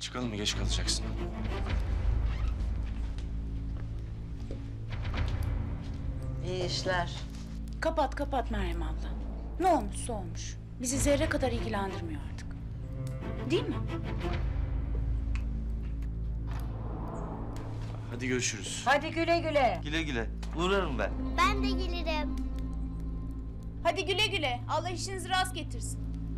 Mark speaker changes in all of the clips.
Speaker 1: Çıkalım mı? Geç kalacaksın.
Speaker 2: İyi işler.
Speaker 3: Kapat kapat Meryem abla. Ne olmuşsa olmuş. Bizi zerre kadar ilgilendirmiyor artık. Değil mi?
Speaker 1: Hadi görüşürüz.
Speaker 2: Hadi güle güle.
Speaker 4: Güle güle. Uğrarım ben.
Speaker 5: Ben de gelirim.
Speaker 3: Hadi güle güle. Allah işinizi rast getirsin.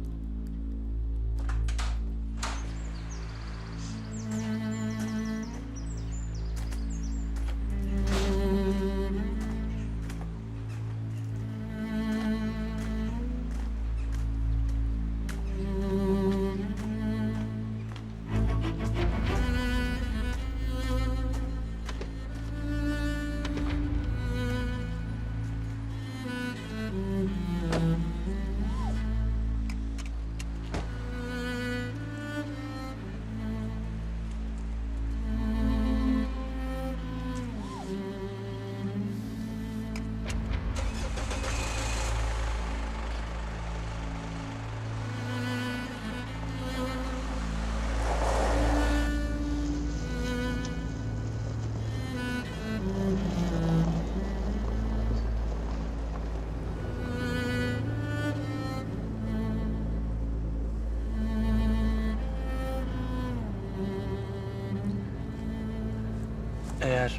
Speaker 1: Eğer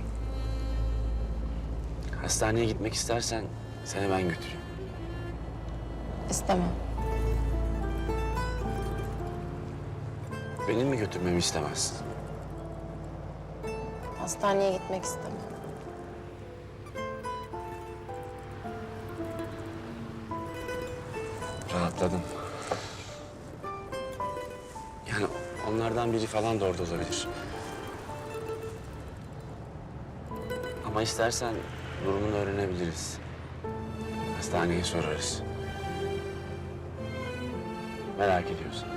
Speaker 1: hastaneye gitmek istersen seni ben götüreyim.
Speaker 6: İstemem.
Speaker 1: Benim mi götürmemi istemezsin?
Speaker 6: Hastaneye gitmek istemem.
Speaker 1: Rahatladım. Yani onlardan biri falan da orada olabilir. Ama istersen durumunu öğrenebiliriz. Hastaneye sorarız. Merak ediyorsan.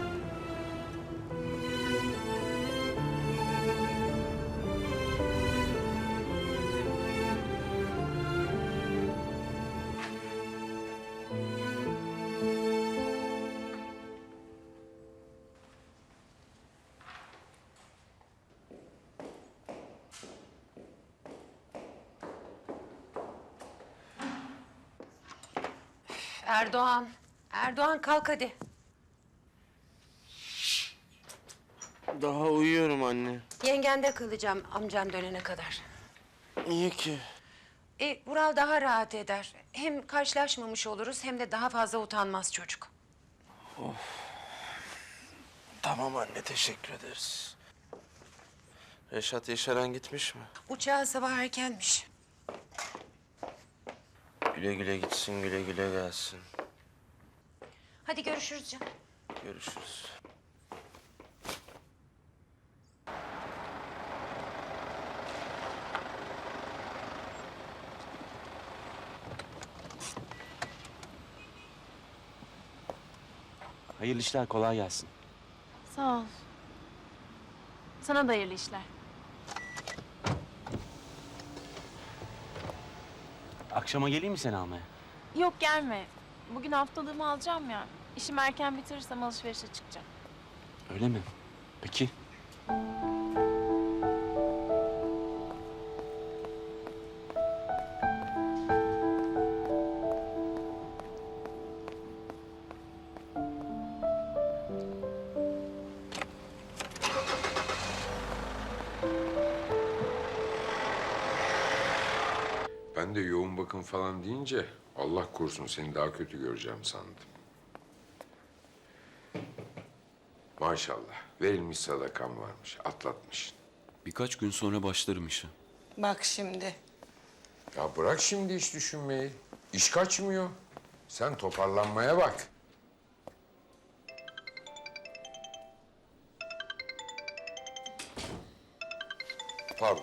Speaker 2: Erdoğan. Erdoğan kalk hadi.
Speaker 4: Daha uyuyorum anne.
Speaker 2: Yengende kalacağım amcan dönene kadar.
Speaker 4: Niye ki?
Speaker 2: Vural daha rahat eder. Hem karşılaşmamış oluruz hem de daha fazla utanmaz çocuk.
Speaker 4: Tamam anne, teşekkür ederiz. Reşat Yaşaran gitmiş mi?
Speaker 2: Uçağı sabah erkenmiş.
Speaker 4: Güle güle gitsin, güle güle gelsin.
Speaker 2: Hadi görüşürüz canım.
Speaker 4: Görüşürüz.
Speaker 1: Hayırlı işler, kolay gelsin.
Speaker 6: Sağ ol. Sana da hayırlı işler.
Speaker 1: Akşama geleyim mi seni almaya?
Speaker 6: Yok gelme. Bugün haftalığımı alacağım ya. İşimi erken bitirirsem alışverişe çıkacağım.
Speaker 1: Öyle mi? Peki.
Speaker 7: Ben de yoğun bakım falan deyince Allah korusun seni daha kötü göreceğim sandım. Maşallah verilmiş sadakan varmış, atlatmışsın.
Speaker 8: Birkaç gün sonra başlarım işe.
Speaker 2: Bak şimdi.
Speaker 7: Ya bırak şimdi iş düşünmeyi. İş kaçmıyor. Sen toparlanmaya bak. Pardon.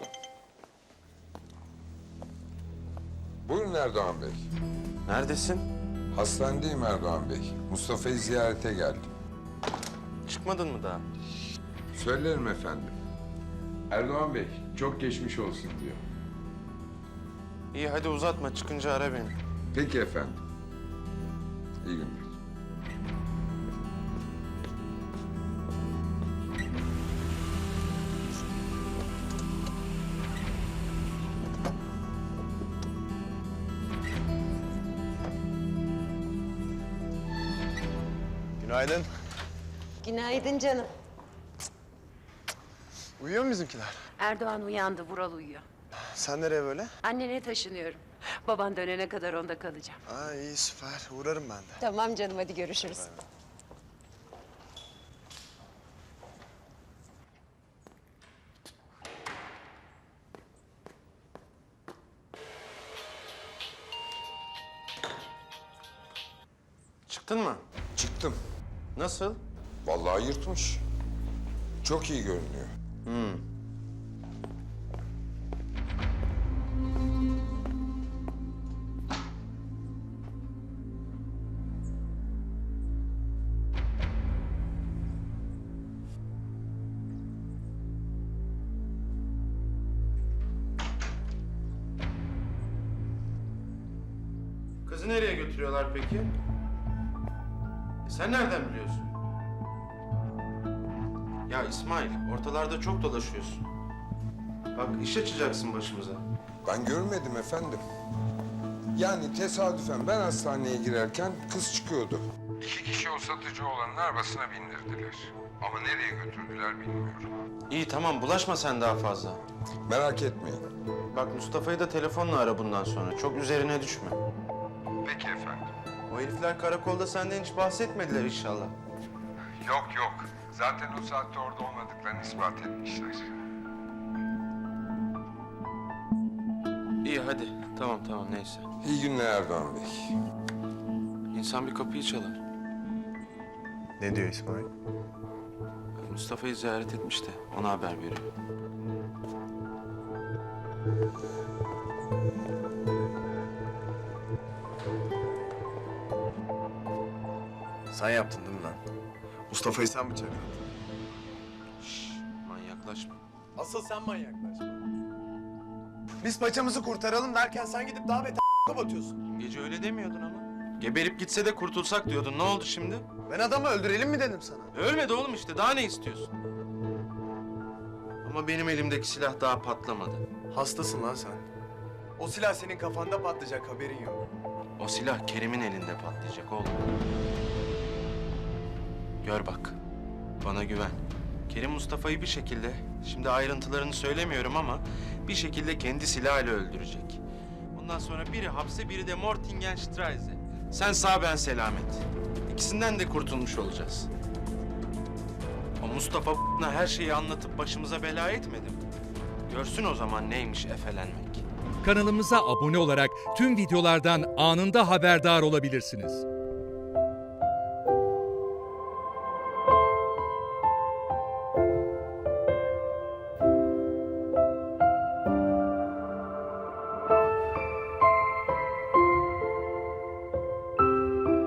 Speaker 7: Buyurun Erdoğan Bey.
Speaker 4: Neredesin?
Speaker 7: Hastanedeyim Erdoğan Bey. Mustafa'yı ziyarete geldim.
Speaker 4: Çıkmadın mı daha?
Speaker 7: Söylerim efendim. Erdoğan Bey, çok geçmiş olsun diyor.
Speaker 4: İyi hadi uzatma, çıkınca ara beni.
Speaker 7: Peki efendim. İyi günler.
Speaker 5: Günaydın.
Speaker 2: Günaydın canım.
Speaker 5: Uyuyor mu bizimkiler?
Speaker 2: Erdoğan uyandı, Vural uyuyor.
Speaker 5: Sen nereye böyle?
Speaker 2: Annene taşınıyorum. Baban dönene kadar onda kalacağım.
Speaker 5: Aa iyi süper. Uğrarım ben de.
Speaker 2: Tamam canım, hadi görüşürüz.
Speaker 4: Çıktın mı?
Speaker 7: Çıktım.
Speaker 4: Nasıl?
Speaker 7: Vallahi yırtmış. Çok iyi görünüyor.
Speaker 4: Kızı nereye götürüyorlar peki? Sen nereden biliyorsun? Ya İsmail, ortalarda çok dolaşıyorsun. Bak iş açacaksın başımıza.
Speaker 7: Ben görmedim efendim. Yani tesadüfen ben hastaneye girerken kız çıkıyordu. 2 kişi o satıcı olanın arabasına bindirdiler. Ama nereye götürdüler bilmiyorum.
Speaker 4: İyi tamam, bulaşma sen daha fazla.
Speaker 7: Merak etmeyin.
Speaker 4: Bak Mustafa'yı da telefonla ara bundan sonra. Çok üzerine düşme.
Speaker 7: Peki efendim.
Speaker 4: O herifler karakolda senden hiç bahsetmediler inşallah.
Speaker 7: Yok yok. Zaten o saatte orada olmadıklarını ispat etmişler.
Speaker 4: İyi hadi. Tamam neyse.
Speaker 7: İyi günler Erdoğan Bey.
Speaker 4: İnsan bir kapıyı çalar.
Speaker 5: Ne diyor İsmail?
Speaker 4: Mustafa'yı ziyaret etmiş de ona haber veriyor.
Speaker 5: Sen yaptın değil mi lan? Mustafa'yı sen bıçakladın.
Speaker 4: Manyaklaşma.
Speaker 5: Asıl sen manyaklaşma. Biz paçamızı kurtaralım derken sen gidip daha beter batıyorsun.
Speaker 4: Gece öyle demiyordun ama. Geberip gitse de kurtulsak diyordun. Ne oldu şimdi?
Speaker 5: Ben adamı öldürelim mi dedim sana?
Speaker 4: Ölmedi oğlum işte. Daha ne istiyorsun? Ama benim elimdeki silah daha patlamadı.
Speaker 5: Hastasın lan sen. O silah senin kafanda patlayacak, haberin yok.
Speaker 4: O silah Kerim'in elinde patlayacak oğlum. Gör bak. Bana güven. Kerim Mustafa'yı bir şekilde, şimdi ayrıntılarını söylemiyorum ama bir şekilde kendi silahıyla öldürecek. Bundan sonra biri hapse, biri de Mortingenstraße. Sen sağ, ben selamet. İkisinden de kurtulmuş olacağız. O Mustafa her şeyi anlatıp başımıza bela etmedi mi? Görsün o zaman neymiş efelenmek.
Speaker 9: Kanalımıza abone olarak tüm videolardan anında haberdar olabilirsiniz.